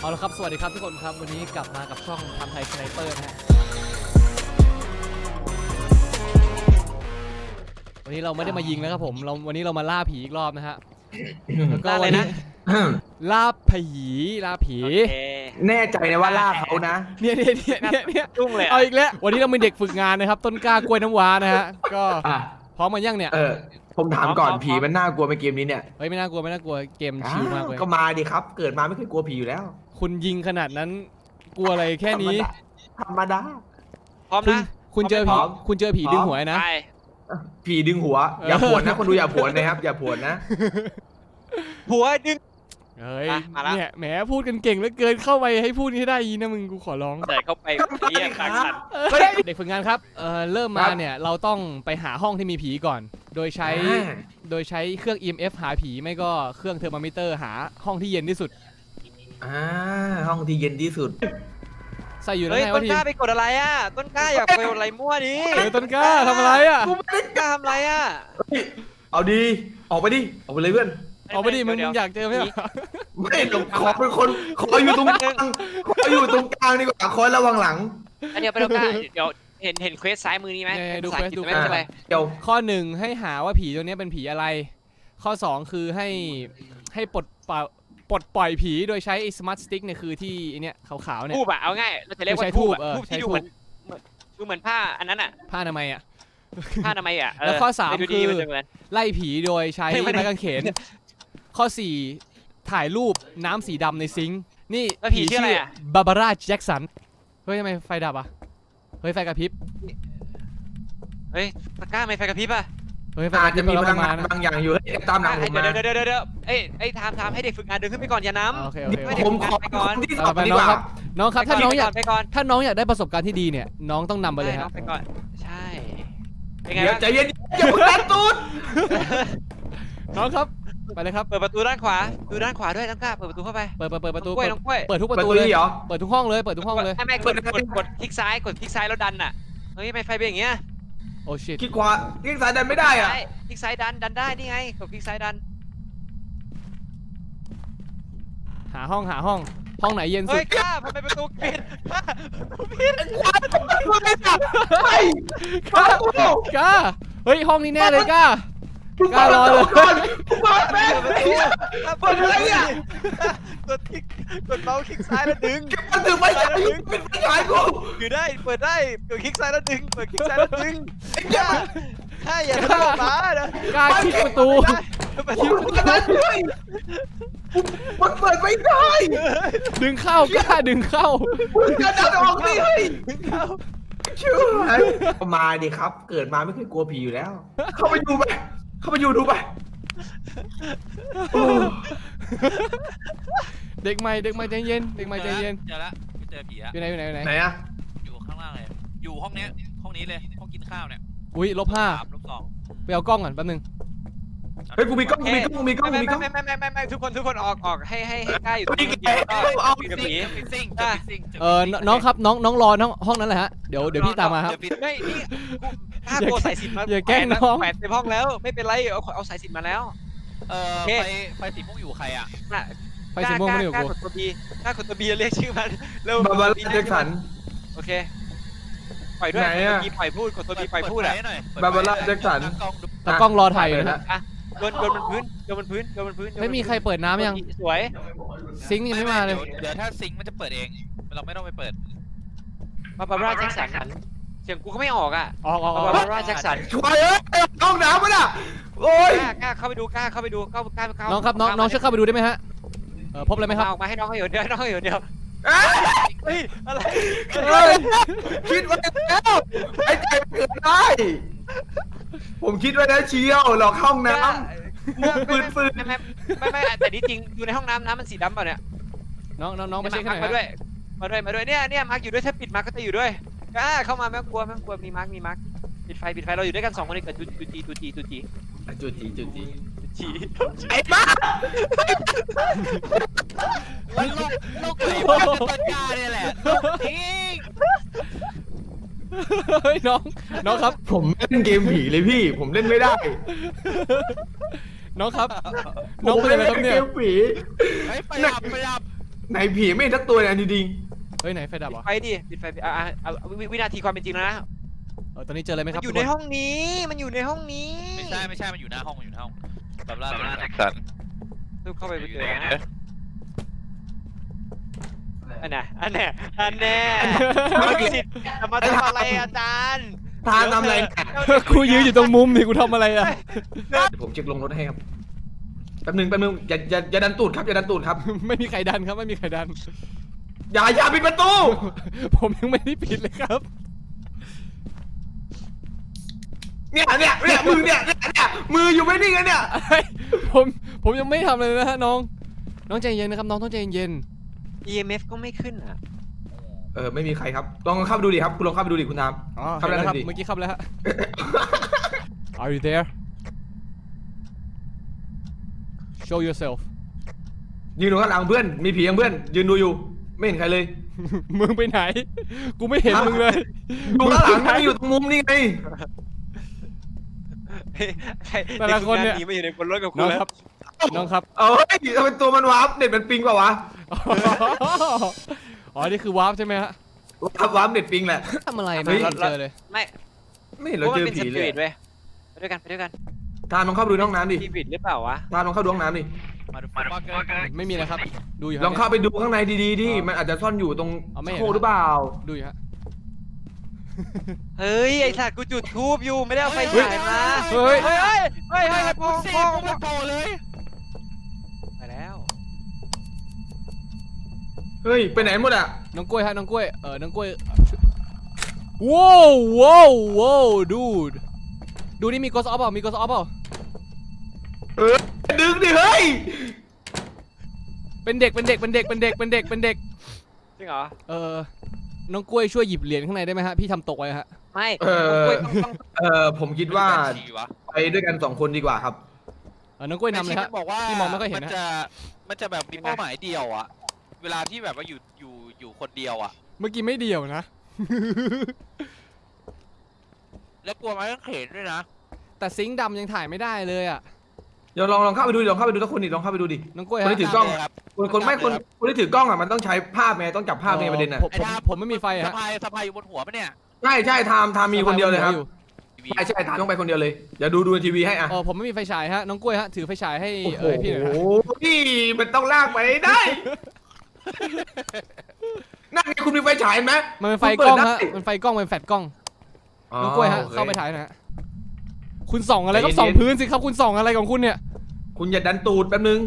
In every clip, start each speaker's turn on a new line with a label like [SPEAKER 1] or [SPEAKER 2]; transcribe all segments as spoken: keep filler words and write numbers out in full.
[SPEAKER 1] เอาละครับสวัสดีครับทุกคนครับวันนี้กลับมากับช่องทำไทยสไนเปอร์นะฮะวันนี้เราไม่ได้มายิงแล้วครับผมเราวันนี้เรามาล่าผีอีกรอบนะฮะแล้วก็วันนี้ล่าผีล่าผี
[SPEAKER 2] แน่ใจนะว่าล่าเขานะ
[SPEAKER 1] เนี่ยเนี่ยเนี่ยเนี่ยเนี่ยเอาอีกแล้ววันนี้เรามีเด็กฝึกงานนะครับต้นกล้ากล้วยน้ำว้านะฮะก็พร้อมมายังเนี่ย
[SPEAKER 2] เออผมถามก่อนผีมันน่ากลัวในเกมนี้เนี่ย
[SPEAKER 1] เฮ้ยไม่น่ากลัวไม่น่ากลัวเกมชิลมากเลย
[SPEAKER 2] ก็มาดิครับเกิดมาไม่เคยกลัวผีอยู่แล้ว
[SPEAKER 1] คุณยิงขนาดนั้นกลัวอะไรแค่นี้
[SPEAKER 2] ธรรมดา
[SPEAKER 3] พร้อมนะ
[SPEAKER 1] คุณเจอผีคุณเจอผีดึงหัวนะ
[SPEAKER 2] ผีดึงหัวอย่าผวนนะคนดูอย่าผวนนะครับอย่าผวนนะ
[SPEAKER 3] หัวดึง
[SPEAKER 1] เฮ้ยเนี่ยแหมพูดกันเก่งเหลือเกินเข้าไปให้พูดให้ได้ยีนะมึงกูขอร้อง
[SPEAKER 3] แต่เข้าไปเรียกขัน
[SPEAKER 1] เด็กฝึกงานครับเออเริ่มมาเนี่ยเราต้องไปหาห้องที่มีผีก่อนโดยใช้โดยใช้เครื่อง อี เอ็ม เอฟ หาผีไม่ก็เครื่องเทอร์โมมิเตอร์หาห้องที่เย็นที่สุด
[SPEAKER 2] อ่าห้องที่เย็นที่สุด
[SPEAKER 1] ใส่อยู่แล้วไงวะที
[SPEAKER 3] ต้นกล้าไปกดอะไรอ่ะต้นกล้าอยากไปกดอะไรมั่วดิ
[SPEAKER 1] เออต้นกล้าทำอะไรอ่ะ
[SPEAKER 3] ต้นกล้าทำอะไรอ่ะ
[SPEAKER 2] เอาดีออกไปดิออกไปเลยเพื่อน
[SPEAKER 1] ออกไปดิมึงอยากเจอไหม
[SPEAKER 2] ไม่ขอเป็นคนขออยู่ตรงกลางขออยู่ตรงกลางดีกว่าคอยระวังหลัง
[SPEAKER 3] อันเดียวไปต้นกล้าเดี๋ยวเห็นเห็นเควสซ้ายมือนี้ไหม
[SPEAKER 1] ดูเควสดูเควส
[SPEAKER 3] อะไร
[SPEAKER 1] เดี๋ยวข้อหนึ่งให้หาว่าผีตัวนี้เป็นผีอะไรข้อสองคือให้ให้ปลดปล่อยปลดปล่อยผีโดยใช้สมาร์ทสติ๊กเนี่ยคือที่เนี่ยขาวๆเนี่ย
[SPEAKER 3] ทูบอะเอาง่ายเราจะเรียกว่าทูบทูบที่ดูเหมือนดูเหมือนผ้าอันนั้นอะ
[SPEAKER 1] ผ้าทำไมอะ
[SPEAKER 3] ผ้าทำไมอะ
[SPEAKER 1] แล้วข้อสามคือไล่ผีโดยใช้ไม้กางเขนข้อสี่ถ่ายรูปน้ำสีดำในซิงค์นี่
[SPEAKER 3] ผีชื่ออะไรอะ
[SPEAKER 1] บาบาร่าแจ็คสันเฮ้ยทำไมไฟดับอะเฮ้ยไฟกระพริบ
[SPEAKER 3] เฮ้ยตะก้าไม่ไฟกระพริบอะ
[SPEAKER 1] เฮ้ย
[SPEAKER 2] อาจจะมีพลังงานบางอย่างอยู่ตามหลังผมมา
[SPEAKER 3] เดี๋ยวเดี๋ยวเดี๋ยวเอ้ยเอ้ยทามทามให้เด็กฝึกงานเดินขึ้นไปก่อนอย่าน้
[SPEAKER 1] ำ
[SPEAKER 2] ผมขอไปก่อนที่สอบดีกว่า
[SPEAKER 1] น้องครับถ้าน้องอยากถ้าน้องอยากได้ประสบการณ์ที่ดีเนี่ยน้องต้องนำไปเลยครับ
[SPEAKER 3] ไปก่อนใช่
[SPEAKER 2] เดี๋ยวใจเย็นอย่าเพิ่งดันตูด
[SPEAKER 1] น้องครับไปเลยครับ
[SPEAKER 3] เปิดประตูด้านขวาดูด้านขวาด้วยน้องกล้าเปิดประตูเข้าไป
[SPEAKER 1] เปิดเปิดเปิดประตู
[SPEAKER 3] กล้วยน้องกล้วย
[SPEAKER 1] เปิดทุกประตูเลยเปิดทุกห้องเลยเปิดทุกห้องเลย
[SPEAKER 3] ไม่ไม่กดกดกดคลิกซ้ายกดคลิกซ้ายแล้วดันอ่ะเฮ้ยไม่ไฟเป็นอย่างเงี้ย
[SPEAKER 1] โอ้ชิต
[SPEAKER 2] คลิกขวาคลิกซ้ายดันไม่ได้อ่ะ
[SPEAKER 3] คลิกซ้ายดันดันได้นี่ไงกดคลิกซ้ายดัน
[SPEAKER 1] หาห้องหาห้องห้องไหนเย็นสุด
[SPEAKER 3] เฮ้ยกล้าทำไมประตูปิดปิด
[SPEAKER 2] กล้าไม่จับไม่
[SPEAKER 1] กล้ากล้าเฮ้ยห้องนี้แน่เลยกล้ากล้ารอเลย
[SPEAKER 2] เปิดแม่เปิดอะไรอ่ะ
[SPEAKER 3] กดคลิกกดเมาส์คลิกซ้ายแล้วดึง
[SPEAKER 2] มันดึงไม่ได้เป็นไม่ได้กู
[SPEAKER 3] คือได้เปิดได้กดคลิกซ้ายแล้วดึงเปิดคลิกซ้ายแล้วดึงกล้าใช่อย่าทำมานะ
[SPEAKER 1] กล้าคลิกประตู
[SPEAKER 2] มันมันเปิดไม่ได้
[SPEAKER 1] ดึงเข้ากล้าดึงเข้า
[SPEAKER 2] จะดันออกดิดึงเข้าเชื่อมาดิครับเกิดมาไม่เคยกลัวผีอยู่แล้วเข้าไปดูไปเข้าไปอยู่ดูไป
[SPEAKER 1] เด็กใหม่เด็กใหม่ใจเย็นเด็กใหม่ใจเย็น
[SPEAKER 4] เจอละเจอผีอะ
[SPEAKER 1] อยู่ไหนอยู่ไหนอยู่ไหน
[SPEAKER 2] ไหนอะ
[SPEAKER 4] อยู่ข้างล่างเลยอยู่ห้องนี้ห้องนี้เลยห้องกินข้าวเนี่ย
[SPEAKER 1] อุ้ยลบห้า
[SPEAKER 4] ลบสอง
[SPEAKER 1] ไปเอากล้องก่อนแป๊บนึง
[SPEAKER 2] เฮ้ยกูมีกล้องกูมีกล้องมีกล้องมีกล้อง
[SPEAKER 3] ไม่ไม่ไม่ไม่ไม่ทุกคนทุกคนออกออกให้ให้ให้กล้าอยู่ตรงนี้
[SPEAKER 2] เอา
[SPEAKER 4] ปิดผีปิดซิ่งซิ่ง
[SPEAKER 1] เออน้องครับน้องน้องรอน้องห้องนั้นแหละฮะเดี๋ยวเดี๋ยวพี่ตามมาครับ
[SPEAKER 3] ไม่นี่กล้าโกสายสินมา
[SPEAKER 1] อย่าแกล้งน้อง
[SPEAKER 3] แปดในห้องแล้วไม่เป็นไรเอาเอาสายสินมาแล้ว
[SPEAKER 4] เออไฟไฟสีม่วงอยู่ใครอ่ะ
[SPEAKER 1] ไฟสีม่วงไม่อยู่กู
[SPEAKER 3] กล้ากดตัวบีกล้ากดตัวบีเรียกชื่อมันเร็ว
[SPEAKER 2] บาบาร่าแจ็คสัน
[SPEAKER 3] โอเคปล่อยด้วยกดตัวบีปล่อยพูดกดตัวบีปล่อยพูดอ่ะ
[SPEAKER 2] บาบาร่าแจ็คสัน
[SPEAKER 1] ตากล้องรอถ่ายอยู่นะ
[SPEAKER 3] โยนโยนบนพื้นโยนบนพื้นโยนบนพื้น
[SPEAKER 1] ไม่มีใครเปิดน้ำยัง
[SPEAKER 3] สวย
[SPEAKER 1] ซิงค์ยังไม่มาเลย
[SPEAKER 4] เดี๋ยวถ้าซิงค์มันจะเปิดเองเราไม่ต้องไปเปิด
[SPEAKER 3] บาบาร่าแจ็คสันเสียงกูก็ไม่ออกอ่ะ
[SPEAKER 1] ออกออก
[SPEAKER 3] บาบาร่าแจ็คสัน
[SPEAKER 2] ช่วยเอ้ยห้องน้ำมันอ่ะโอ้ย
[SPEAKER 3] กล้าเข้าไปดูกล้าเข้าไปดูเข้ากล้าเข้า
[SPEAKER 1] น้องครับน้องน้องช่วยเข้าไปดูได้ไหมฮะเออพบอะไรไหมครับ
[SPEAKER 3] ออกมาให้น้องเขาอยู่เดียวน้องเขาอยู่เดียวเฮ้ยอะไร
[SPEAKER 2] คิดไว้แล้วไอ้ใจเกิดได้ผมคิดไว้แล้วเชียวหลอกห้องน้ำปืนปืน
[SPEAKER 3] ไม่ไม่ไม่ไม่แต่นี่จริงอยู่ในห้องน้ำน้ำมันสีดำเปล่าเนี่ย
[SPEAKER 1] น้องน้องน้องมาเช็คหน่อย
[SPEAKER 3] มาด้วยมาด้วยมาด้วยเนี่ยเนี่ยมาร์กอยู่ด้วยถ้าปิดมาร์กก็จะอยู่ด้วยอ่าเข้ามาไม่กลัวไม่กลัวมีมาร์กมีมาร์กปิดไฟปิดไฟเราอยู่ด้วยกันสองคนนี้กับจูจีจูจีจูจี
[SPEAKER 2] จูจีจูจี
[SPEAKER 3] จี
[SPEAKER 2] ไอ้บ้า
[SPEAKER 4] โลกโลกไหนมันจะต้นกล้าเนี่ยแหละจริง
[SPEAKER 1] เฮ้ยน้องน้องครับ
[SPEAKER 2] ผมเล่นเกมผีเลยพี่ผมเล่นไม่ได้
[SPEAKER 1] น้องครับน้องเป็นอะไรครับเนี่ย
[SPEAKER 2] เกมผี
[SPEAKER 4] ไปดับไปดับ
[SPEAKER 2] ไหนผีไม่เห็นสักตัวเลยอันจริง
[SPEAKER 1] เฮ้ยไหนไฟดับ
[SPEAKER 3] ปิด
[SPEAKER 1] วะ
[SPEAKER 3] ไฟดิปิดไฟอ่ะอ่ะอ่ะวิวินาทีความเป็นจริงแล้วนะ
[SPEAKER 1] เออตอนนี้เจออะไรไหมค
[SPEAKER 3] มั
[SPEAKER 1] รับ
[SPEAKER 3] นอยู่
[SPEAKER 1] ทุก
[SPEAKER 3] ใน
[SPEAKER 1] คน
[SPEAKER 3] ห้องนี้มันอยู่ในห้องนี้
[SPEAKER 4] ไม่ใช่ไม่ใช่มันอยู่หน้าห้องมันอยู่หน้าห้องแบบล่าแจ็ค
[SPEAKER 5] สัน
[SPEAKER 3] รูปเข้าไป
[SPEAKER 5] อ
[SPEAKER 3] เจ
[SPEAKER 5] ยู่
[SPEAKER 3] อ
[SPEAKER 5] ไหน
[SPEAKER 3] นะ
[SPEAKER 5] นะ
[SPEAKER 3] อันน่ะอันน่ะอันแน่จะมาทำอะไรอาจารย์
[SPEAKER 2] ๆทานทำอะไรเนี่ย
[SPEAKER 1] กูยืนอยู่ตรงมุมนี่กูทำอะไรอะ
[SPEAKER 2] เดี๋ยวผมเช็คลงรถให้ครับแป๊บนึงแป๊บนึงอย่าอย่าอย่าดันตูดครับอย่าดันตูดครับ
[SPEAKER 1] ไม่มีใครดันครับไม่มีใครดัน
[SPEAKER 2] อย่าอย่าปิดประตู
[SPEAKER 1] ผมยังไม่ได้ปิดเลยครับ
[SPEAKER 2] เนี่ยเนี่ยเนี่ยมือเนี่ยเนี่ยเนี่ยมืออยู่ไม่นิ่งอะเนี่ย
[SPEAKER 1] เฮ้ยผมผมยังไม่ทำเลยนะฮะน้อง น้องใจเย็นนะครับน้องต้องใจเย็น
[SPEAKER 3] อี เอ็ม เอฟ ก็ไม่ขึ้นอ่ะ
[SPEAKER 2] เออไม่มีใครครับลองเข้าไปดูดิครับคุณลองเข้าไปดูดิคุณทาม
[SPEAKER 1] อ๋อ
[SPEAKER 2] เข้า
[SPEAKER 1] เห็น
[SPEAKER 2] ไป
[SPEAKER 1] แล้วครับ
[SPEAKER 2] ดิ
[SPEAKER 1] เมื่อกี้เข้าไปแล้วฮะ Are you there Show yourself
[SPEAKER 2] ยืนดูข้างหลังเพื่อนมีผียังเพื่อนยืนดูอยู่ไม่เห็นใครเลย
[SPEAKER 1] มึงไปไหน กูไม่เห็นมึงเลย
[SPEAKER 2] ดูข้างหลังไม่อยู่ตรงมุมนี่ไง
[SPEAKER 1] แต่ละคนเนี่ย
[SPEAKER 3] หนีมาอยู่ในบนรถกับคุ
[SPEAKER 1] น้
[SPEAKER 3] ณ
[SPEAKER 1] อง
[SPEAKER 3] แล้ว
[SPEAKER 1] ครับ น้องครับ
[SPEAKER 2] เอ้ยทำไมตัวมันวาร์ปเน็ตมันปิงเปล่าวะ
[SPEAKER 1] อ๋อ นี่คือวาร์ปใช่ไหมฮะ
[SPEAKER 2] วาร์ปวาร์ปเน็ตปิงแหละ
[SPEAKER 1] ทำอะไร
[SPEAKER 2] เฮ้
[SPEAKER 1] ไม่
[SPEAKER 2] ย
[SPEAKER 1] เจอเลย
[SPEAKER 3] ไม่
[SPEAKER 2] ไม่เห็น
[SPEAKER 3] เพ
[SPEAKER 2] เรา
[SPEAKER 3] ราะมัน
[SPEAKER 2] เจอ
[SPEAKER 3] เป็น
[SPEAKER 2] ผี
[SPEAKER 3] ส
[SPEAKER 2] เล
[SPEAKER 3] ปิ
[SPEAKER 2] ย
[SPEAKER 3] ริตเว้ยไปด้วยกันไปด้วยกัน
[SPEAKER 2] ทานลองเข้าไปดูในห้องน้ำดิ
[SPEAKER 3] สปิริตหรือเปล่าวะ
[SPEAKER 2] ทานลองเข้าดูห้องน้ำดิ
[SPEAKER 4] มาดูฟักเกอร์
[SPEAKER 1] ไม่มีนะครับ ดูอยู่
[SPEAKER 2] ลองเข้าไปดูข้างในดีๆดิมันอาจจะซ่อนอยู่ตรง
[SPEAKER 1] เอาไม่เห็น
[SPEAKER 2] โคหรือเปล่า
[SPEAKER 1] ดูอยู่ฮะ
[SPEAKER 3] เฮ้ยไอ้สัตว์กูจุดทูบอยู่ไม่ได้เอาไฟฉายมา
[SPEAKER 1] เฮ้ย
[SPEAKER 3] เฮ้ยเฮ้ยเฮ้ยเฮ้ย
[SPEAKER 4] กู
[SPEAKER 3] พอง
[SPEAKER 4] เสี
[SPEAKER 3] พ
[SPEAKER 4] ย
[SPEAKER 3] อง
[SPEAKER 4] กูไม่โผล่เลย
[SPEAKER 3] ไปแล้ว
[SPEAKER 2] เฮ้ยไปไหนหมดอ่ะ
[SPEAKER 1] น้องกล้วยฮะ น้องกล้วย เออ น้องกล้วยว้าวว้าวว้าวดูดดูนี่มีกอสออฟเปล่ามีกอสออฟเปล่า
[SPEAKER 2] เออดึงดิเฮ้ย
[SPEAKER 1] เป็นเด็ก เป็นเด็ก เป็นเด็ก เป็นเด็ก เป็นเด็ก เป็นเด็ก
[SPEAKER 3] จริงเหรอ
[SPEAKER 1] เออ น้องกล้วยช่วยหยิบเหรียญข้างในได้ไหมฮะ พี่ทำตกไว้ฮะ
[SPEAKER 3] ไม่
[SPEAKER 2] เออ
[SPEAKER 3] ต้องต้อง
[SPEAKER 2] เออผมคิดว่า
[SPEAKER 4] ฉี่วะ
[SPEAKER 2] ไปด้วยกันสองคนดีกว่าครับ
[SPEAKER 1] เออ น้องกล้วยนำเลยฮะ
[SPEAKER 4] มันบอกว่า
[SPEAKER 1] พี่มองไม่ค่อยเห็น
[SPEAKER 4] มัน
[SPEAKER 1] นะ
[SPEAKER 4] จะมันจะแบบมีเป้าหมายเดียวอะเวลาที่แบบว่าอยู่อยู่อยู่คนเดียวอะ
[SPEAKER 1] เมื่อกี้ไม่เดียวนะ
[SPEAKER 4] แล้วกลัวมันก็เข็นด้วยนะ
[SPEAKER 1] แต่ซิงค์ดำยังถ่ายไม่ได้เลยอ่ะ
[SPEAKER 2] เดี๋ยวลองลองเข้าไปดูดิลองเข้าไปดูทุกคนดิลองเข้าไปดูดิ
[SPEAKER 1] น้องกล้วย
[SPEAKER 2] คน
[SPEAKER 1] ฮะ
[SPEAKER 2] ที่ถือกล้อง
[SPEAKER 4] ครับ
[SPEAKER 2] คนคนไม่คนคนที่ถือกล้องอ่ะมันต้องใช้ภาพไงต้องจับภาพไงประเด็นอ่ะ
[SPEAKER 1] ผมผมผมไม่มีไฟ
[SPEAKER 4] สะ
[SPEAKER 1] ฮะ
[SPEAKER 4] พายสะพายอยู่บนหัวปะเนี่ย
[SPEAKER 2] ใช่ใช่ทามทามมีคนเดียวเลยครับ
[SPEAKER 1] อยู่
[SPEAKER 2] ใช่ใช่ทามต้องไปคนเดียวเลยเดี๋ยวดูดูในทีวีให้อ่ะ
[SPEAKER 1] เออผมไม่มีไฟฉายฮะ น้องกล้วยฮะ ถือไฟฉายให้
[SPEAKER 2] โอ้
[SPEAKER 1] เออให้พี่หน่อยฮะ
[SPEAKER 2] โหพี่มันต้องลากไปได้นั่นไงคุณมีไฟฉายไหม
[SPEAKER 1] มันเป็นไฟ
[SPEAKER 2] คุณ
[SPEAKER 1] กล้อง
[SPEAKER 2] เปิด
[SPEAKER 1] ฮะ
[SPEAKER 2] ได้
[SPEAKER 1] มันไฟกล้องเป็นแฟลชกล้อง
[SPEAKER 2] อ๋อ
[SPEAKER 1] น้องกล้วยฮะ
[SPEAKER 2] โอค
[SPEAKER 1] เข้าไปถ่ายหนะฮะ คุณส่องอะไรก็
[SPEAKER 2] ใจเย็นๆ
[SPEAKER 1] ส่องพื้นสิครับ คุณส่องอะไรของคุณเนี่ย
[SPEAKER 2] คุณอย่าดันตูดแป๊บนึง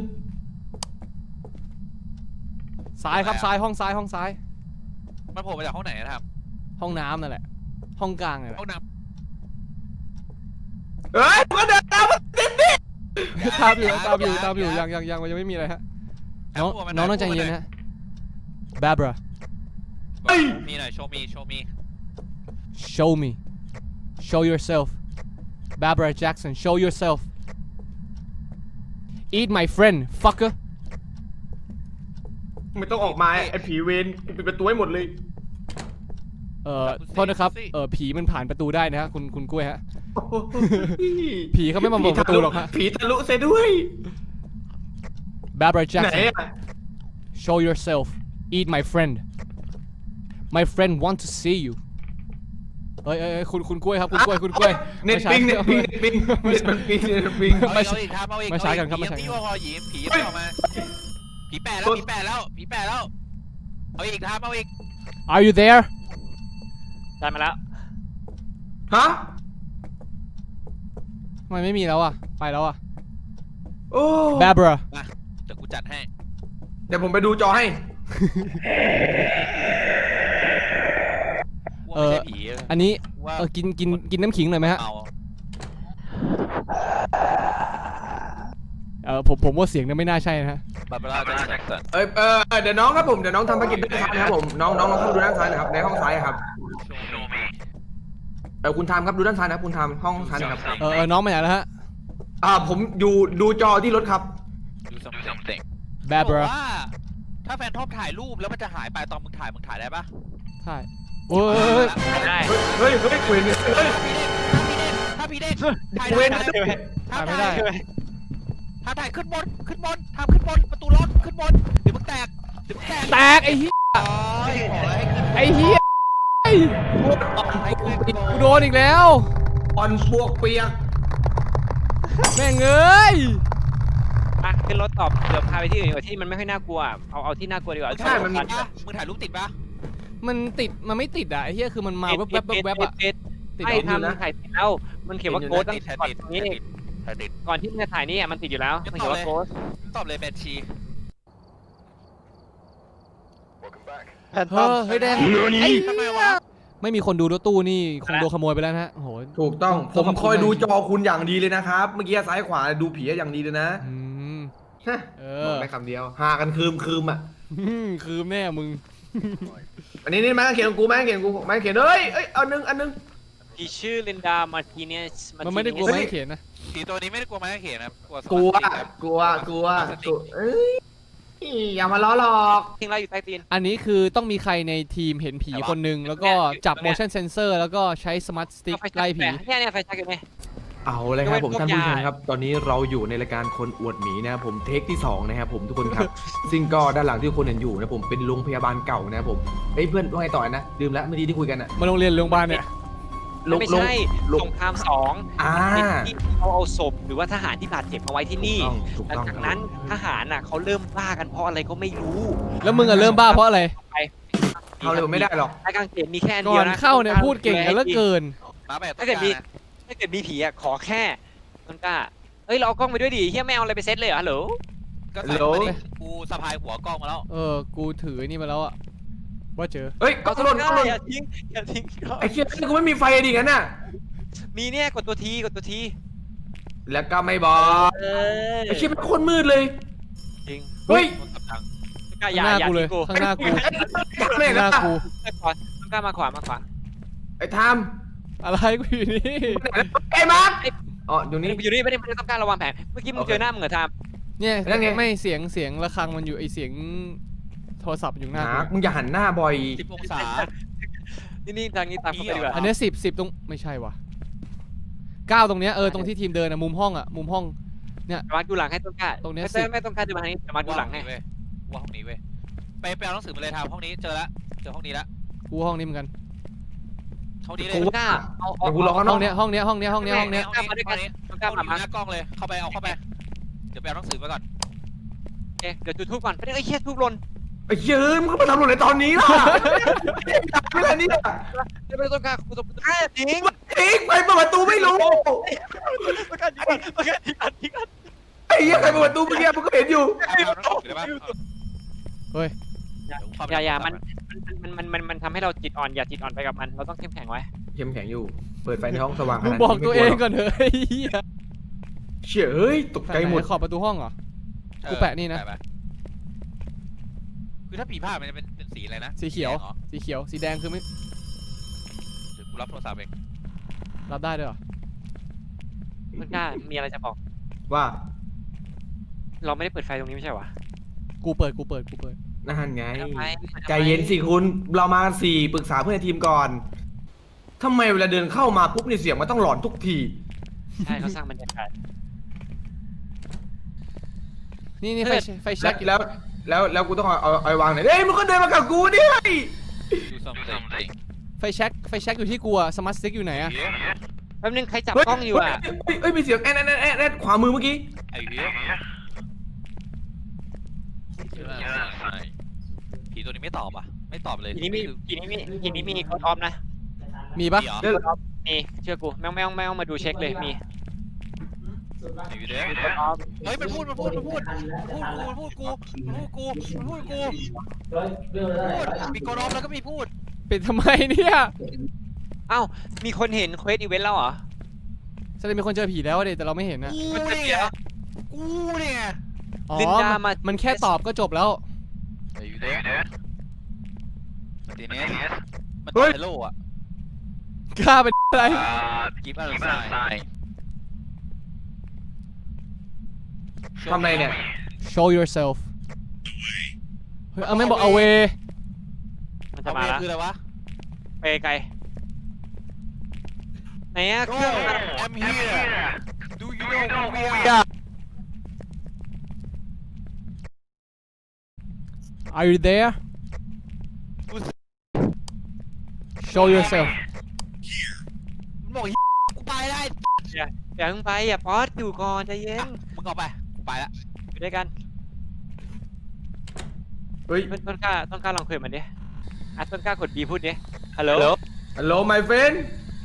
[SPEAKER 1] ซ้ายครับซ้ายห้องซ้ายห้องซ้าย
[SPEAKER 4] มันโผล่มาจากห้องไหนนะครับ
[SPEAKER 1] ห้องน้ำนั่นแหละ ห้องกลางนั่นแหละ
[SPEAKER 4] ห้องน้
[SPEAKER 2] เฮ้ยมันก็เดินตามมาติดดิ
[SPEAKER 1] ตามอยู่ตามอยู่ตามอยู่ยังยังยังมันยังไม่มีอะไรฮะ
[SPEAKER 4] ำ
[SPEAKER 1] น้อง
[SPEAKER 4] พูดมาห
[SPEAKER 1] น้องต้องใจเย็นนะฮะ Barbara
[SPEAKER 4] มีหน่อยโชว์มีโชว์มี
[SPEAKER 1] show me show yourself Barbara Jackson show yourself eat my friend fucker
[SPEAKER 2] ไม่ต้องออกมาไอ้ผีเวรกูปิดประตูให้หมดเลย
[SPEAKER 1] เอ่อโทษนะครับ เอ่อผีมันผ่านประตูได้นะฮะคุณคุณกล้วยฮะ
[SPEAKER 2] โอ้โห
[SPEAKER 1] ผีเขาไม่มาเปิดประตูหรอกฮะ
[SPEAKER 2] ผีทะลุเสียด้วย
[SPEAKER 1] Barbara
[SPEAKER 2] ไหน
[SPEAKER 1] Jackson
[SPEAKER 2] อ่ะ
[SPEAKER 1] show yourself eat my friend my friend want to see you เอ้ยเอ้ยเอ้ยคุณคุณกล้วยครับคุณกล้วยคุณกล้วย
[SPEAKER 2] เน็ตปิงเน็ตปิงเน็ตปิงเน็ตมันปิงเน็ตปิง
[SPEAKER 4] เอาอีกเอาอีกครับเอาอีก
[SPEAKER 1] มาช้ากันครับ
[SPEAKER 4] ผี
[SPEAKER 1] มาช้ากัน
[SPEAKER 4] ผีพอหยิมผีไม่ออกมาผีแปดแล้วผีแปดแล้วผีแปดแล้วเอาอีกครับเอาอีก
[SPEAKER 1] Are you there
[SPEAKER 3] ได้มาแล้ว
[SPEAKER 2] ฮะ
[SPEAKER 1] ทำไมไม่มีแล้วอ่ะ ไปแล้วอ่ะ
[SPEAKER 2] โอ้
[SPEAKER 1] Barbara
[SPEAKER 4] เดี๋ยวกูจัดให้
[SPEAKER 2] เดี๋ยวผมไปดูจอให้
[SPEAKER 4] ว่าไม่ใช่ผี
[SPEAKER 1] อันนี้
[SPEAKER 4] ว่า
[SPEAKER 1] เออกินกินกินน้ำขิงหน่อยไหมฮะ
[SPEAKER 4] เอา
[SPEAKER 1] เออผมผมว่าเสียงนั้นไม่น่าใช่นะฮะ
[SPEAKER 4] บาร์บาร่าแจ็คสัน
[SPEAKER 2] เอ้ยเออเดี๋ยวน้องครับผมเดี๋ยวน้องทำภารกิจด้วยกันนะครับผมน้องน้องลองเข้าไปดูด้านซ้ายหนะครับในห้องซ้ายครับเออคุณทามครับดูด้านซ้ายนะครับคุณทามห้องซ้ายนะครับ
[SPEAKER 1] เออเออน้องมาไหนแล้วฮะ
[SPEAKER 2] อ่าผมอยู่ดูจอที่รถครับ
[SPEAKER 4] ดูซัมติง
[SPEAKER 1] Barbara
[SPEAKER 4] ว่าถ้าแฟนทอมถ่ายรูปแล้วมันจะหายไปตอนมึงถ่ายมึงถ่ายได้ปะ
[SPEAKER 1] ใช่โอ้ย
[SPEAKER 3] ได้
[SPEAKER 2] เฮ้ยเฮ้ยเฮ้ยเวรเฮ้ย
[SPEAKER 4] ถ้าพี่เด้งถ่าย
[SPEAKER 2] เวร
[SPEAKER 4] ได้
[SPEAKER 1] ถ่ายไม่ได้
[SPEAKER 4] ถ้าถ่ายขึ้นบนขึ้นบนทำขึ้นบนประตูรถขึ้นบนเดี๋ยวมึงแตกเดี๋ยวมึงแตก
[SPEAKER 1] แตกไอ้เหี้ย
[SPEAKER 4] โอ้ยขอให้ขึ้น
[SPEAKER 1] ไอ้เหี้ยไอ้
[SPEAKER 4] ให้ขึ้น
[SPEAKER 1] กูโดนอีกแล้ว
[SPEAKER 2] อ่อนปวกเปียก
[SPEAKER 1] แม่งเอ้ย
[SPEAKER 3] อ่ะขึ้นรถตอบเดี๋ยวพาไปที่อื่นดีกว่าที่มันไม่ค่อยน่ากลัวเอาเอาที่น่ากลัวดีกว่า
[SPEAKER 2] ใช่มันมี
[SPEAKER 4] ปะมึงถ่ายรูปติดปะ
[SPEAKER 1] มันติดมันไม่ติดอ่ะไอ้เหี้ยคือมันมาแวบแวบแวบแวบอ่ะ
[SPEAKER 3] ติด
[SPEAKER 1] ติด
[SPEAKER 3] ไม่
[SPEAKER 1] เหรอ
[SPEAKER 3] ทำถ่ายติดแล้วมันเขียนว่าโกสตั้ง
[SPEAKER 4] ติดถ่าย
[SPEAKER 3] ก่อน
[SPEAKER 4] ติด
[SPEAKER 3] นี้
[SPEAKER 4] ถ่ายติด
[SPEAKER 3] ก่อนที่มันจะถ่ายนี่อ่ะมันติดอยู่แล้วมันเขียนว่าโกส
[SPEAKER 4] ตอบเลยแบนชี
[SPEAKER 1] เฮ้ยเฮ้ยแดงไอ้
[SPEAKER 4] ทำไมวะ
[SPEAKER 1] ไม่มีคนดูรถตู้นี่คงโดนขโมยไปแล้วนะฮะโอ้โห
[SPEAKER 2] ถูกต้อง
[SPEAKER 1] ต้
[SPEAKER 2] ผ
[SPEAKER 1] อง
[SPEAKER 2] ม
[SPEAKER 1] ขอบคุณ
[SPEAKER 2] คอยดู
[SPEAKER 1] มาก
[SPEAKER 2] จอคุณอย่างดีเลยนะครับ เมื่อกี้ซ้ายขวาดูผีอย่างดีเลยนะ
[SPEAKER 1] อืม
[SPEAKER 2] ฮะ
[SPEAKER 1] เอ
[SPEAKER 2] บอก
[SPEAKER 1] อ
[SPEAKER 2] ได้คำเดียวหากันคืมคืมอ่ะ
[SPEAKER 1] คือแม่มึง
[SPEAKER 2] อันนี้นี่แม่เขียนของกูแม่เขียนของกูแม่เขียนเอ้ยเอ้ยเอาหนึ่งอันหนึง
[SPEAKER 3] ที่ชื่อลินดามาร์ติเนส
[SPEAKER 1] มันไม่ได้กลัวไม่เขียนนะ
[SPEAKER 4] ผีตัวนี้ไม่ได้กลัวไม้กางเขนนะกลัวส
[SPEAKER 2] กลัว
[SPEAKER 4] มาร์ทสติ๊ครับ
[SPEAKER 2] กลัวกลัวกลัวเอ้ยอย่ามาล้อหลอก
[SPEAKER 3] ทิ้งเราอยู่ใต้ตีน
[SPEAKER 1] อันนี้คือต้องมีใครในทีมเห็นผีคนหนึ่งแล้วก็จับ motion sensor แล้วก็ใช้ smart stick ไล่ผี
[SPEAKER 3] เนี่ยเนี่ยไฟฉายอยู่เนี่ย
[SPEAKER 2] เอาเลยครับผม
[SPEAKER 3] ยกเว้น
[SPEAKER 2] ท่านผู้ชม
[SPEAKER 3] พวกยา
[SPEAKER 2] ครับ ตอนนี้เราอยู่ในรายการคนอวดหมีนะครับผมเทคที่สองนะครับผมทุกคนครับ ซึ่งก็ด้านหลังที่ทุกคนเห็นอยู่นะผมเป็นโรงพยาบาลเก่านะครับผมเฮ้ยเพื่อนว่าไงต่อนะลืมแล้วเมื่อกี้ที่คุยกันอะ
[SPEAKER 1] มาโรงเรียนโรงพยาบาลเนี่ย
[SPEAKER 2] โรง
[SPEAKER 3] ไม่
[SPEAKER 2] โรง
[SPEAKER 3] ใช่
[SPEAKER 2] โรง
[SPEAKER 3] สงครามสอง
[SPEAKER 2] อ่า
[SPEAKER 3] ที่เขาเอาศพหรือว่าทหารที่บาดเจ็บมาไว้ที่นี่
[SPEAKER 2] ถูก
[SPEAKER 3] หลัง
[SPEAKER 2] ต้อง
[SPEAKER 3] จากนั้นทหารน่ะเขาเริ่มบ้ากันเพราะอะไรก็ไม่รู้
[SPEAKER 1] แล้วมึงอะเริ่มบ้าเพราะอะไร
[SPEAKER 2] เขาเลยไม่ได้หรอก
[SPEAKER 3] ไอ้กางเขนมีแค่อัน
[SPEAKER 1] ก่
[SPEAKER 3] เดี
[SPEAKER 1] อย
[SPEAKER 3] วน นะ
[SPEAKER 1] เข้าเนี่ยพูดเก่งกันเหลือเกิน
[SPEAKER 4] มาแบบต้
[SPEAKER 3] ถ้าน เกิดมี
[SPEAKER 4] กลางนะ
[SPEAKER 3] ถ้าเกิดมีผีอ่ะขอแค่ต้นกล้าเอ้ยเราเอากล้องไปด้วยดิเฮียไม่เอาอะไรไปเซตเลยเหรอฮัลโหล
[SPEAKER 4] ก็ใส่เข้ามาดิกูสะพายหัวกล้องมาแล้ว
[SPEAKER 1] เออ กูถือนี่มาแล้วอะว่าเจอ
[SPEAKER 2] เฮ้ยก็
[SPEAKER 3] เอา
[SPEAKER 2] หล่น
[SPEAKER 3] ต้
[SPEAKER 2] ก็
[SPEAKER 3] น
[SPEAKER 2] ห
[SPEAKER 3] ก
[SPEAKER 2] ล่
[SPEAKER 3] ล้าน อย่าทิ้งอย่าทิ้งกล้อง
[SPEAKER 2] ไอ้เชี่ยกูไม่มีไฟดิงั้นน่ะ
[SPEAKER 3] มีเนี่ยกดตัวทีกดตัวที
[SPEAKER 2] แล้วก็ไม่บอก
[SPEAKER 3] เออ
[SPEAKER 2] ไอ้เชี่ยเป็นคนมืดเลย
[SPEAKER 3] จริง
[SPEAKER 2] เฮ้ย
[SPEAKER 4] คนกับดัง
[SPEAKER 3] ต้นกล้าอ
[SPEAKER 1] ข้าง
[SPEAKER 3] ย่า
[SPEAKER 1] หน้า
[SPEAKER 3] อย่า
[SPEAKER 1] กูเล
[SPEAKER 3] ทิ้
[SPEAKER 1] ย
[SPEAKER 3] งกู
[SPEAKER 1] ข้างหน้ากู
[SPEAKER 2] ไม่
[SPEAKER 1] ข้างห
[SPEAKER 2] นะ
[SPEAKER 1] น้ากู
[SPEAKER 3] ต้นกล้าต้นกล้ามาขวามาขวา
[SPEAKER 2] ไอ้ทาม
[SPEAKER 1] อะไรกูอยู่นี่
[SPEAKER 2] ไอ้มาร์คอ๋ออยู่นี่
[SPEAKER 3] อยู่นี่ไม่ได้ไม่ได้ต้องการระวังแผนเมื่อกี้มึง
[SPEAKER 2] โอเค
[SPEAKER 3] เจอหน้ามึงเหรอทาม
[SPEAKER 1] เนี่ย
[SPEAKER 2] แล้วไง
[SPEAKER 1] ไม่เสียงเสียงระฆังมันอยู่ไอเสียงโทรศัพท์อยู่หน้า
[SPEAKER 2] มาร์ค
[SPEAKER 1] กู
[SPEAKER 2] มึงอย่าหันหน้าบ่อย
[SPEAKER 4] สิบองศา
[SPEAKER 3] นี่นี่ทางนี้ตามเข้าไปดีกว่า
[SPEAKER 1] อันเนี้สิบสิบตรงไม่ใช่วะเก้าตรงเนี้ยเออตรงที่ทีมเดินอะมุมห้องอะมุมห้อง
[SPEAKER 3] มาดูหลังให้ต้นกล้า
[SPEAKER 1] ตรงเนี้ย
[SPEAKER 3] ไม่
[SPEAKER 1] สิ
[SPEAKER 3] ไม่ต้องการจะมาทางนี้แต่มาดูหลังให้
[SPEAKER 4] เว้ยว่าห้องนี้เว้ยไปไปเอาหนังสือมาเลยทำห้องนี้เจอละเจอห้องนี้ละ
[SPEAKER 1] กูห้องนี้เหมือนกัน
[SPEAKER 4] ห้องนี้เลย
[SPEAKER 2] กู
[SPEAKER 3] ต้นกล้าเอาเอา
[SPEAKER 2] เดี๋ยวกูรอข้างน
[SPEAKER 1] ห้
[SPEAKER 2] อ
[SPEAKER 1] อก งเนี้ยห้องเนี้ยห้องเนี้ยห้องเนี้ยห้องเนี้ย
[SPEAKER 3] ต้นกล้ามาด้วยกันต้นกล้า
[SPEAKER 4] ห้อง
[SPEAKER 3] มา
[SPEAKER 4] นี้
[SPEAKER 3] มา
[SPEAKER 4] หน้ากล้องเลยเข้าไปเอาเข้าไปเดี๋ยวไปเอาหนังสือมาก่อน
[SPEAKER 3] โอเคเดี๋ยวจุดทูบก่อนไม่ได้ไอ้เหี้ยทูบหล่น
[SPEAKER 2] ไอ้เชี่ยเอ้ยมึงเข้ามาทำหล่นในตอนนี้ล่ะไม่ไรนี่
[SPEAKER 3] เดี๋ยวไปต้นกล้ากูต้นกล้าจริง
[SPEAKER 2] ทิ้งไปเปิดประตูไม่รู้
[SPEAKER 3] ต้นกล้าจริงต้นกล้าจริงจริง
[SPEAKER 2] ไอ้เหี้ยใครเปิดประตูเมื่อกี้มึงก็เห็นอยู่
[SPEAKER 4] เอาหนังสือได้ปะ
[SPEAKER 1] เฮ้ย
[SPEAKER 3] อย่าอย่ามันมันมันมันมันทำให้เราจิตอ่อนอย่าจิตอ่อนไปกับมันเราต้องเข้มแข็งไว้
[SPEAKER 2] เข้มแข็งอยู่ เปิดไฟในห้องสว่างข
[SPEAKER 1] มึง
[SPEAKER 2] นาด
[SPEAKER 1] บอก
[SPEAKER 2] นี้
[SPEAKER 1] ตัว
[SPEAKER 2] ไม่
[SPEAKER 1] เอง
[SPEAKER 2] ลัหร
[SPEAKER 1] ก่อนเถอะไอ้เหี้ย
[SPEAKER 2] เชี่ยเอ้ยตกใจหมด
[SPEAKER 1] ไหนขอบประตูห้องเหรอ กูแปะนี่นะ
[SPEAKER 4] ปคือถ้าผีผ้ามันจะเป็นเป็นสีอะไรนะ
[SPEAKER 1] สีเขียว
[SPEAKER 4] แดงหรอ
[SPEAKER 1] สีเขียวสีแดงคือไม่
[SPEAKER 4] เดี๋ยวกูรับโทรศัพท์เอง
[SPEAKER 1] รับได้ด้วยเหรอ
[SPEAKER 3] ต้นกล้ามีอะไรจะบอก
[SPEAKER 2] ว่า
[SPEAKER 3] เราไม่ได้เปิดไฟตรงนี้ไม่ใช่หรอ
[SPEAKER 1] กูเปิดกูเปิดกูเปิด
[SPEAKER 2] นั่นไง
[SPEAKER 3] ทำไม
[SPEAKER 2] ใจเย็นสิคุณ เรามากันสี่ปรึกษาเพื่อนในทีมก่อนทำไมเวลาเดินเข้ามาปุ๊บนี่เสียงมันต้องหลอนทุกที
[SPEAKER 3] ใช่เขาสร้างบรรยากาศ
[SPEAKER 1] นี่นี่ไฟไฟ
[SPEAKER 2] แล้
[SPEAKER 1] แช็
[SPEAKER 2] ว
[SPEAKER 1] ก
[SPEAKER 2] แล้วแล้วแล้วกูต้องเอาเอาเอาไว้วางไหนเอ้ยมึงก็เดินมากับกูดิ
[SPEAKER 4] ดูซัมติง
[SPEAKER 1] ไฟแช็กไฟแช็กอยู่ที่กูอะสมาร์ทสติ๊กอยู่ไหนอะ
[SPEAKER 3] แป๊บนึงใครจับ
[SPEAKER 2] เฮ้ย
[SPEAKER 3] กล้องอยู่อ่ะ
[SPEAKER 2] เฮ้ยเฮ้ยมีเสียงแอนแอนแอนแอนแอนขวามือเมื่อกี้
[SPEAKER 4] ไอ้เหี้ยผีตัวนี้ไม่ตอบอ่ะไม่ตอบเลย
[SPEAKER 3] ทีนี้มีทีนี้มีทีนี้มีโค้ดออฟนะ
[SPEAKER 1] มีปะ
[SPEAKER 2] เดี๋ยว
[SPEAKER 3] มีเชื่อกูแม่งแม่งแม่งมาดูเช็คเลยมี
[SPEAKER 4] ไอ้วิเด้
[SPEAKER 3] โค้ดออฟ
[SPEAKER 4] เฮ้ยมันพูดมันพูดมันพูดมันพูดกูมันพูดกูมันพูดกูมันพูดกูพูดมีกรอบแล้วก็มีพูด
[SPEAKER 1] ปิดทำไมเนี่ย
[SPEAKER 3] เอ้ามีคนเห็นเควสอีเวนต์แล้วเหรอ
[SPEAKER 1] แสดงมีคนเจอผีแล้วอะเดแต่เราไม่เห็นอะ
[SPEAKER 4] กูเนี่ยกูเนี่ย
[SPEAKER 1] อ๋อ
[SPEAKER 3] ลินดา
[SPEAKER 1] มัน
[SPEAKER 3] มา
[SPEAKER 1] มันแค่ตอบก็จบแล้ว
[SPEAKER 4] ไอ้วิเด้มาตีเนสมันตอบเฮลโลอ่ะ
[SPEAKER 1] กล้าเป็นอะไร
[SPEAKER 4] กิฟต์อัลไซน์
[SPEAKER 2] ทำไรเนี่ย
[SPEAKER 1] show yourself เฮ้ยเอาไม่งบอก away
[SPEAKER 3] มันจะ
[SPEAKER 4] เอา
[SPEAKER 3] มา
[SPEAKER 4] เว
[SPEAKER 3] ละ
[SPEAKER 4] คืออะไรวะ
[SPEAKER 3] ไปไกลไหนอะเครื่องมัน
[SPEAKER 4] I'm here Do you know who we are
[SPEAKER 1] are you there show yourself
[SPEAKER 4] มันบอกกูไปได้
[SPEAKER 3] อย่าอย่าเพิ่งไปอย่าป๊อตอยู่ก่อนใจเย็น
[SPEAKER 4] มึงเอาไปกูไปละ
[SPEAKER 3] อยู่ด้วยกัน
[SPEAKER 2] เฮ้ย
[SPEAKER 3] ต้นต้นกล้าต้นกล้าลองคุยกับมันดิอ่ะต้นกล้ากด B พูดดิฮัลโหล
[SPEAKER 2] ฮัลโหล my friend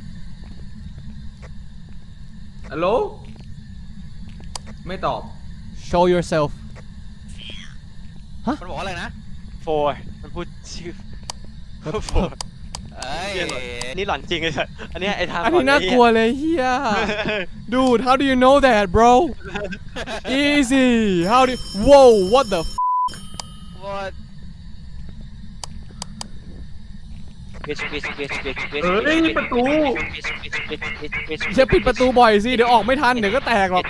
[SPEAKER 2] ฮัลโหลไม่ตอบ
[SPEAKER 1] show yourself
[SPEAKER 4] มันบอกว่าอะไรนะ
[SPEAKER 3] โฟมันพูดชื่อโฟ
[SPEAKER 4] เอ้ย
[SPEAKER 3] นี่หลอนจริงเลยอันเนี้ยไอ้ทาง
[SPEAKER 1] อันนี้น่ากลัวเลยเฮีย dude how do you know that bro easy how do whoa what the f-
[SPEAKER 4] ว่า
[SPEAKER 3] เกชเกชเกชเกชเกช
[SPEAKER 2] เฮ้ยประตู
[SPEAKER 1] จะปิดประตูบ่อยสิเดี๋ยวออกไม่ทันเดี๋ยวก็แตกหรอก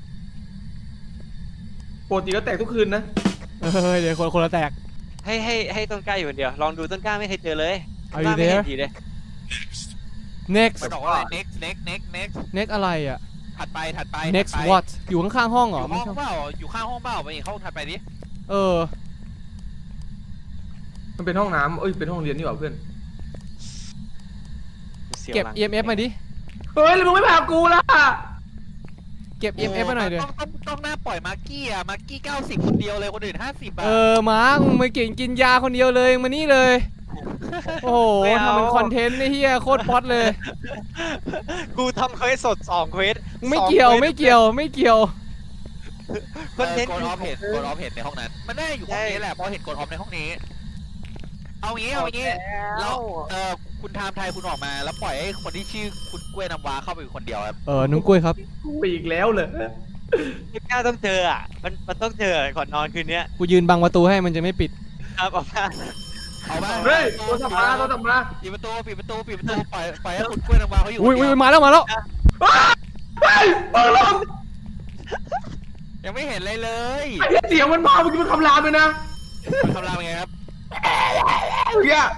[SPEAKER 2] ปกติก็แตกทุกคืนนะ
[SPEAKER 1] เฮ้ยเดี๋ยวคนคนละแตก
[SPEAKER 3] ให้ให้ให้ต้นกล้าอยู่คนเดียวลองดูต้นกล้าไม่เคยเจอเลย
[SPEAKER 1] Are
[SPEAKER 3] ต้นกล้า
[SPEAKER 1] you
[SPEAKER 3] ไม่เห็
[SPEAKER 1] there
[SPEAKER 3] นทีเลย
[SPEAKER 1] next
[SPEAKER 4] มันบอกว่าอะไร next next next next
[SPEAKER 1] next อะไรอ่ะ
[SPEAKER 4] ถัดไปถัดไป
[SPEAKER 1] next
[SPEAKER 4] ถัดไป
[SPEAKER 1] what อยู่ข้างๆห้องเหร
[SPEAKER 4] อ
[SPEAKER 1] อยู่
[SPEAKER 4] ห้
[SPEAKER 1] ไม่
[SPEAKER 4] อง
[SPEAKER 1] ใช่
[SPEAKER 4] เปล่าอยู่ข้างห้องเปล่าไปอีกห้องถัดไปดิ
[SPEAKER 1] เออ
[SPEAKER 2] มันเป็นห้องน้ำเอ้ยเป็นห้องเรียนนี่หว่าเพื่อน
[SPEAKER 3] สียว
[SPEAKER 1] เก็บ
[SPEAKER 3] หลัง
[SPEAKER 1] อี เอ็ม เอฟ มาดิ
[SPEAKER 2] เฮ้ยแล้วมึงไม่พากูล่ะ
[SPEAKER 1] เก็บ อี เอ็ม เอฟ มาหน่อยเดี๋ยว
[SPEAKER 4] ต้องต้องต้องหน้าปล่อยมาร์กี้อ่ะมาร์กี้เก้าสิบคนเดียวเลยคนอื่นห้าสิบอ่ะ
[SPEAKER 1] เออมาร์คมึงมาเก่งกินยาคนเดียวเลยมานี่เลย โอ้โหทำเป็นคอนเทนต์ไอ้เฮียโคตรป๊อตเลย
[SPEAKER 3] กูทำเควสสดสองเควส
[SPEAKER 1] ไม่เกี่ยวไม่เกี่ยวไม่เกี่ยว
[SPEAKER 3] คอนเทนต์
[SPEAKER 4] โกดออฟเห็นโกดออฟเห็นในห้องนั้นมันน่าอยู่ห้องนี้แหละเพราะเห็นโกดออฟในห้องนี้ เอางี้เอางี้เราเออคุณไทม์ไทยคุณออกมาแล้วปล่อยให้คนที่ชื่อคุณกล้วยน้ำว้าเข้าไปอยู่คนเดียวครับ
[SPEAKER 1] เออนุ้งกล้วยครับ
[SPEAKER 2] กูอีกแล้วเลย
[SPEAKER 3] ไม่กล้าต้องเจออ่ะมันมันต้องเจอก่อนนอนคืนเนี้ย
[SPEAKER 1] กูยืนบังประตูให้มันจะไม่ปิด
[SPEAKER 3] ครับออกมา
[SPEAKER 4] เอาบ้าง
[SPEAKER 2] เฮ้ยโทรศัพท์มาโทรศัพท์มา
[SPEAKER 4] ปิดประตูปิดประตูปิดประตูปล่อยปล่อยให้คุณกล้วยน้ำว้าเขาอยู่
[SPEAKER 1] อุ้ย
[SPEAKER 4] คน
[SPEAKER 1] อุ้
[SPEAKER 4] เดี
[SPEAKER 1] ย
[SPEAKER 4] ยว
[SPEAKER 1] มาแล้วมาแล้ว
[SPEAKER 2] เฮ้ยเปิดลง
[SPEAKER 4] ยังไม่เห็นเลยเลย
[SPEAKER 2] ไอ้เหี้ยเสียงมันมาเมื่อกี้มันคำรามเลยนะ
[SPEAKER 4] มันทำรามยังไงครับ
[SPEAKER 2] เฮีย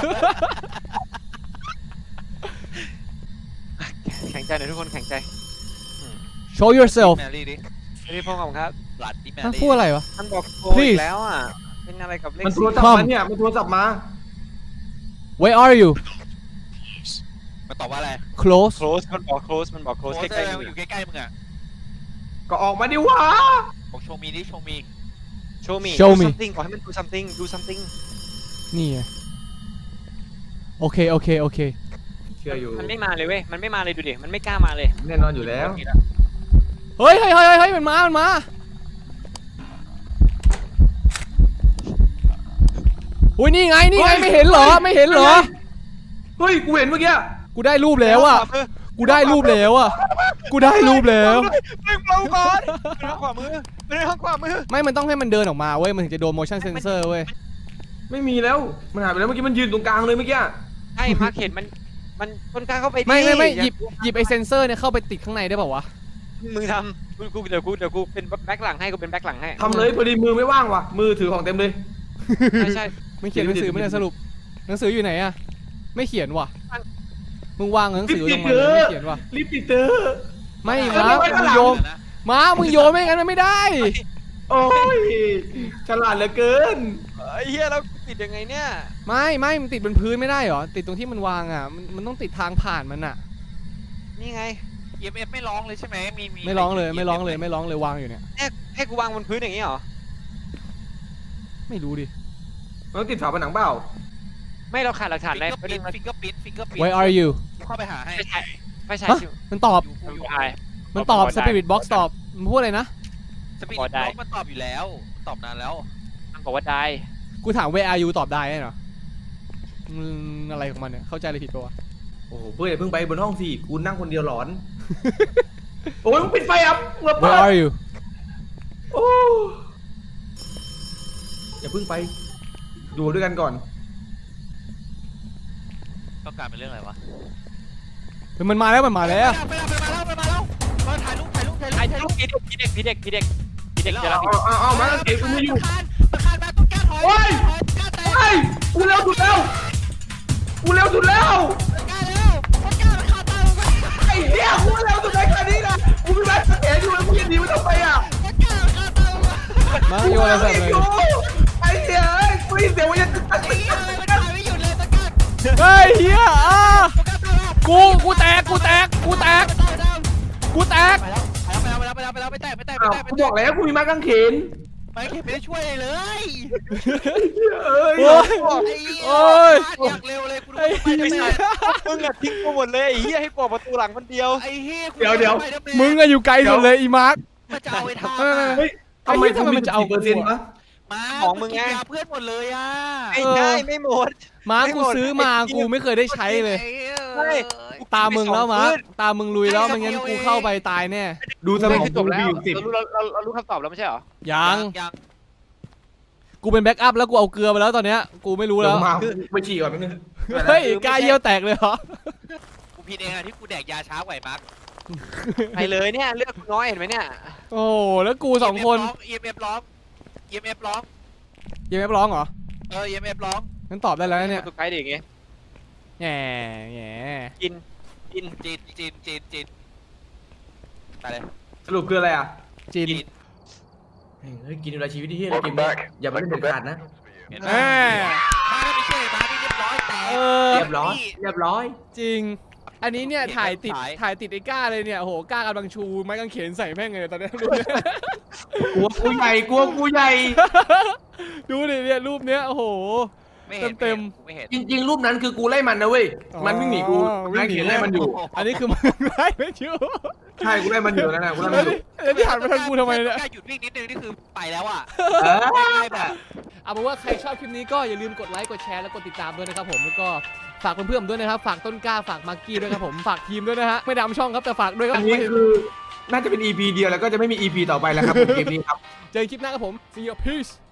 [SPEAKER 3] แข็งใจหน่อยทุกคนแข็งใจ
[SPEAKER 1] show yourself
[SPEAKER 4] แมรี่ดิ
[SPEAKER 3] พี่พงศ์ของครับ
[SPEAKER 4] หลัดดิแม
[SPEAKER 1] ฮะ
[SPEAKER 4] รี่
[SPEAKER 1] พูดอะไรวะ
[SPEAKER 3] มันบอกโก
[SPEAKER 1] Please
[SPEAKER 3] อีกแล้วอ่ะเป็นอะไรกับเลข
[SPEAKER 2] มันโทร
[SPEAKER 3] สี่
[SPEAKER 2] ศัพท์มาเนี่ยมันโทรศัพท์มา
[SPEAKER 1] where are you
[SPEAKER 4] มันตอบว่าอะไร
[SPEAKER 1] close
[SPEAKER 3] close มันบอก close มันบอก
[SPEAKER 4] โค้
[SPEAKER 3] close
[SPEAKER 4] ช
[SPEAKER 3] ใกล้ๆ
[SPEAKER 4] อ
[SPEAKER 3] มื
[SPEAKER 4] ยู่
[SPEAKER 3] อ
[SPEAKER 4] ใกล้ๆมึงอ่ะ
[SPEAKER 2] ก็ออกมาดิวะ
[SPEAKER 4] บอกโชว์มีดิโชว์มี
[SPEAKER 3] show me
[SPEAKER 1] Show
[SPEAKER 3] do
[SPEAKER 1] me
[SPEAKER 3] something บอกให้มัน do something do something
[SPEAKER 1] นี่ไงโอเคโอเคโอเค
[SPEAKER 2] เชื่ออยู่
[SPEAKER 3] มันไม่มาเลยเว้ยมันไม่มาเลยดูดิมันไม่กล้ามาเลย
[SPEAKER 2] แน่นอนอยู่แล้ว
[SPEAKER 1] เฮ้ยเฮ้ยเฮ้ยเฮ้ยมันมามันมาอุ้ยนี่ไงนี่ไงไม่เห็นเหรอไม่เห็นเหรอ
[SPEAKER 2] เฮ้ยกูเห็นเมื่อกี้
[SPEAKER 1] กูได้รูปแล้วอ่ะกูได้รูปแล้วอ่ะกูได้รูปแล้ว
[SPEAKER 3] มึงเราก่อนมันทางขวามือมันทางขวามือ
[SPEAKER 1] ไม่มันต้องให้มันเดินออกมาเว้ยมันถึงจะโดน motion sensor เว้ย
[SPEAKER 2] ไม่มีแล้วมันหายไปแล้วเมื่อกี้มันยืนตรงกลางเลยเมื่อกี้
[SPEAKER 3] ใช่มาร์คเห็นมันมันคนกล้าเข้าไปดิ
[SPEAKER 1] ไม่ไม่ไม่
[SPEAKER 3] อา
[SPEAKER 1] หยิบหยิบไอเซนเซอร์เนี่ยเข้าไปติดข้างในได้เปล่าวะ
[SPEAKER 3] มึงทำกูกูเดี๋ยวกูเดี๋ยวกูเป็นแบ็คหลังให้กูเป็นแบ็คหลังให้
[SPEAKER 2] ทำเลยพอดีมือไม่ว่างว่ะมือถือของเต็มเลย
[SPEAKER 3] ไม่ใช่
[SPEAKER 1] ไม่เขียนหนังสือไม่ได้สรุปหนังสืออยู่ไหนอะไม่เขียนว่ะมึงวางหนังสือลงมาเลยไม่เขียนว่ะ
[SPEAKER 2] รีบติดเตอร์
[SPEAKER 1] ไม่
[SPEAKER 2] เออ
[SPEAKER 1] มา
[SPEAKER 2] ไม่
[SPEAKER 1] มึง
[SPEAKER 2] ไม่
[SPEAKER 1] โยมมามึงโยมไม่งั้นมันไม่ได้
[SPEAKER 2] โอ้ยฉลาดเหลือเกิน
[SPEAKER 3] ไอ้เหี้ยแล้วติดยังไงเนี่ย
[SPEAKER 1] ไม่ไม่มันติดบนพื้นไม่ได้เหรอติดตรงที่มันวางอ่ะมันมันต้องติดทางผ่านมันอ่ะ
[SPEAKER 3] นี่ไง
[SPEAKER 4] เอ็มเอฟไม่ร้องเลยใช่ไหมมีมี
[SPEAKER 1] ไม่ร้องเลยไม่ร้องเลยไม่ร้องเลยวางอยู่เนี่ย
[SPEAKER 3] ให้ให้กูวางบนพื้นอย่างนี้เหรอ
[SPEAKER 1] ไม่รู้ดิ
[SPEAKER 2] มันต้องติดฝาผนังเปล่า
[SPEAKER 3] ไม่เราขาดหลักฐาน
[SPEAKER 4] ฟิง
[SPEAKER 3] อะไร
[SPEAKER 4] เกอร์
[SPEAKER 3] ไม่
[SPEAKER 4] ปิ้
[SPEAKER 3] ได้
[SPEAKER 4] นฟิงเกอร์ปิ้นฟิงเกอร์ปิ้น
[SPEAKER 1] Where are you
[SPEAKER 4] เข้าไปหาให้
[SPEAKER 3] ไม่ใช่ไม่ใช่
[SPEAKER 1] ฮะ
[SPEAKER 3] ชื่อ
[SPEAKER 1] มันตอบ
[SPEAKER 4] อยู่อยู่
[SPEAKER 3] ตาย
[SPEAKER 1] มันตอบ
[SPEAKER 3] บอกได้
[SPEAKER 1] Spirit Box ตอบมันพูดอะไรนะ
[SPEAKER 4] สปีด
[SPEAKER 3] บอก
[SPEAKER 4] บ
[SPEAKER 3] ได้
[SPEAKER 4] ล็อกมันตอบอยู่แล้วตอบนานแล้ว
[SPEAKER 3] มันบอกว่าได้
[SPEAKER 1] กูถาม Where are you ตอบได้เหรออืมอะไรของมันเนี่ยเข้าใจอะไรผิดปะวะ
[SPEAKER 2] โอ้โหเพื่อนอย่าเพิ่งไปบนห้องสิกูนั่งคนเดียวหลอน โอ้ยมึงปิดไฟอ่ะมึงเปิ
[SPEAKER 1] Where
[SPEAKER 2] ด
[SPEAKER 1] are you
[SPEAKER 2] โอ้อย่าเพิ่งไปดูด้วยกันก่อน
[SPEAKER 4] ต้องการเป็นเรื่องอะไรวะ
[SPEAKER 1] เฮ้ยมันมาแล้วมันมาแล้ว
[SPEAKER 4] ไปแล้วไปแล้วไปแล้วมาถ่ายรูปถ่ายรูปถ่ายรูป
[SPEAKER 3] ไอ้ถ่ายรูปพี่เด็กพี่เด็กพี่เด็กพี่เด็กพี่เด็กจะรับ
[SPEAKER 2] เอาเอาเอามาเก็บกูไม่อยู่
[SPEAKER 4] ตะคานมาต้องแก้ถอย
[SPEAKER 2] โอ้ย
[SPEAKER 4] ถอยกล้าเตะ
[SPEAKER 2] ไอ้ยกูเร็วสุดแล้วกูเร็วสุดแล้ว
[SPEAKER 4] กล้าแล้วต้องกล้ามันขาดตาไป
[SPEAKER 2] ไอ้เหี้ยกูเร็วสุดในขนาดนี้นะกูไม่ได้สังเกตอยู่แล้วกูยังหนีไม่ต้องไปอ่ะ
[SPEAKER 4] ต้องกล้ามันขาดตาไป
[SPEAKER 1] มาโยนอะไรใส่เลย
[SPEAKER 2] ไอ้เหี้ยเอ้ยกูได้ยินเสียงว่าจะตัด
[SPEAKER 4] ไอ้เหี้ยอะไรมันถ่ายไม่หยุดเลยต้องกล้า
[SPEAKER 1] เฮ้ยเฮียอ่ะกูกูแตกกูแตกกูแตกกูแตก
[SPEAKER 4] ไปแล้วไปแล้วไปแล้วไปแล้วไปแตะไปแตะไป
[SPEAKER 2] อ้าว
[SPEAKER 4] แตะไป
[SPEAKER 2] กู
[SPEAKER 4] แตะ
[SPEAKER 2] บอกแล้วกูมีไม้กางเขน
[SPEAKER 4] ไม่เข็มไม่ได้ช่วยเลย
[SPEAKER 2] เอ้ย
[SPEAKER 1] โอ้ย
[SPEAKER 4] ไอ้เหี้ย
[SPEAKER 1] โอ้ย
[SPEAKER 4] อยากเร็วเลยกูดู
[SPEAKER 1] ไอ้
[SPEAKER 4] ไป
[SPEAKER 1] เหี้
[SPEAKER 4] ทำไม
[SPEAKER 1] ย
[SPEAKER 3] มึงอะทิ้งกูหมดเลยไอ้เหี้ยให้กดประตูหลังคนเดียว
[SPEAKER 4] ไอ้เหี้ย
[SPEAKER 2] เดี๋ยวเดี๋ยว
[SPEAKER 1] มึงอะอยู่ไกลสุดเลยอีมาร์ค
[SPEAKER 4] มาจะเอาไอ้ทาง
[SPEAKER 1] เออ
[SPEAKER 2] เฮ้ยทำไม
[SPEAKER 1] ไอ้เหี้ยทำไม
[SPEAKER 2] กู
[SPEAKER 1] มันจะเอา
[SPEAKER 2] เปอร์เซ็นต์วะ
[SPEAKER 4] มา
[SPEAKER 3] ของมึงไง
[SPEAKER 4] กินยาเพื่อนหมดเลยอ่ะ
[SPEAKER 3] ไม่ได้ไม่หมด
[SPEAKER 1] มาร์ค
[SPEAKER 3] ไม่
[SPEAKER 1] กู
[SPEAKER 3] หมด
[SPEAKER 1] ซื้อมากูไม่เคยได้ใช้เลย
[SPEAKER 3] ใช่
[SPEAKER 1] ตามึงแล้วมาร์ค
[SPEAKER 3] ขึ้น
[SPEAKER 1] ตามึงลุยแล้วไม่งั้นกูเข้าไปตายแน่
[SPEAKER 2] ดูสม
[SPEAKER 3] ไม่
[SPEAKER 2] อง
[SPEAKER 3] คือจ
[SPEAKER 2] กู
[SPEAKER 3] บแล้ว
[SPEAKER 2] มีอยู่สิบ
[SPEAKER 3] เรารู้เราเราเรารู้คำตอบแล้วไม่ใช่เหรอ
[SPEAKER 1] ยัง
[SPEAKER 4] ยัง
[SPEAKER 1] กูเป็นแบ็กอัพแล้วกูเอาเกลือไปแล้วตอนเนี้ยกูไม่รู้
[SPEAKER 2] เดี๋
[SPEAKER 1] แล้
[SPEAKER 2] ยว วมาไปฉี่ก่อนแป๊บนึง
[SPEAKER 1] เฮ้ยกายเยี่ยวแตกเลยเหรอ
[SPEAKER 4] กูผิดเองอะที่กูแดกยาช้าไหวมาร์ค
[SPEAKER 3] ไปเลยเนี่ยเลือกน้อยเห็นไหมเนี่ย
[SPEAKER 1] โอ้โหแล้วกูสองคน
[SPEAKER 4] เอ็มเอฟร้อง เอ็มเอฟร้อง
[SPEAKER 1] ยังไม่ร้องเหรอ
[SPEAKER 4] เออ เอ็มเอฟร้อง
[SPEAKER 1] งั้นตอบได้แล้วนะเนี่ย
[SPEAKER 3] ตัวไกด์ดิอย่างงี้
[SPEAKER 1] แง่แง่
[SPEAKER 3] กินกิน
[SPEAKER 4] จีนจีนจีนจีนไปเลย
[SPEAKER 2] สรุปคืออะไรอ่ะ
[SPEAKER 1] จิน
[SPEAKER 4] จีน
[SPEAKER 2] เฮ้ยกินเวลาชีวิตที่เฮียอะไรกินเนี่ยอย่าไปเล่นเด็ดขาดนะ
[SPEAKER 1] แม่
[SPEAKER 4] มาถ้าไม่เชื่อมานี่เรียบร้อยแต่
[SPEAKER 1] เออ
[SPEAKER 2] เรียบร้อยเรียบร้อย
[SPEAKER 1] จริง อันนี้เนี่ยถ่ายติดถ่ายติดไอ้ก้าเลยเนี่ยโอ้โหก้ากำลังชูไม้กางเขนใส่แม่งเลยตอนเนี้ยรูปเนี้ย
[SPEAKER 2] กลัวกูใหญ่กลัวกูใหญ่
[SPEAKER 1] ดูดิเนี่ยรูปเนี้ยโอ้โห
[SPEAKER 4] ไม่เห็น
[SPEAKER 1] เต็ม
[SPEAKER 4] ไม่เห็น
[SPEAKER 2] จริง ๆ รูปนั้นคือกูไล่มันนะเว้ย
[SPEAKER 1] อ๋อ
[SPEAKER 2] มันวิ่งหนีกู
[SPEAKER 1] วิ่
[SPEAKER 2] นาง
[SPEAKER 1] หนี
[SPEAKER 2] เขียนไล่มันอยู่
[SPEAKER 1] อันนี้คือมึงไล่ไม่อยู่
[SPEAKER 2] ใช่กูไล่มันอยู่นั่นน่ะกูไล่
[SPEAKER 1] แล้
[SPEAKER 2] มั
[SPEAKER 1] วน
[SPEAKER 2] อยู่
[SPEAKER 1] นี่แล้วที่หันมาทางกูทำไมเนี่ย
[SPEAKER 4] แค่หยุดวิ่งนิดนึงนี่คือไปแล้วอ่ะ
[SPEAKER 2] เออ
[SPEAKER 4] ไม่แบบ
[SPEAKER 1] เอาเป็นว่าใครชอบคลิปนี้ก็อย่าลืมกดไลค์กดแชร์และกดติดตามด้วยนะครับผมแล้วก็ฝากเพื่อนๆด้วยนะครับฝากต้นกล้าฝากมากกี้ด้วยครับผมฝากทีมด้วยนะฮะไม่ดำช่องครับแต่ฝากด้วยครั
[SPEAKER 2] อั
[SPEAKER 1] บ
[SPEAKER 2] นนี้คือน่าจะเป็น อี พี เดียวแล้วก็จะไม่มี อี พี ต่อไปแล้วครับผมเกมนี้ครับ
[SPEAKER 1] เจอกันคลิปหน้าครับผม see you peace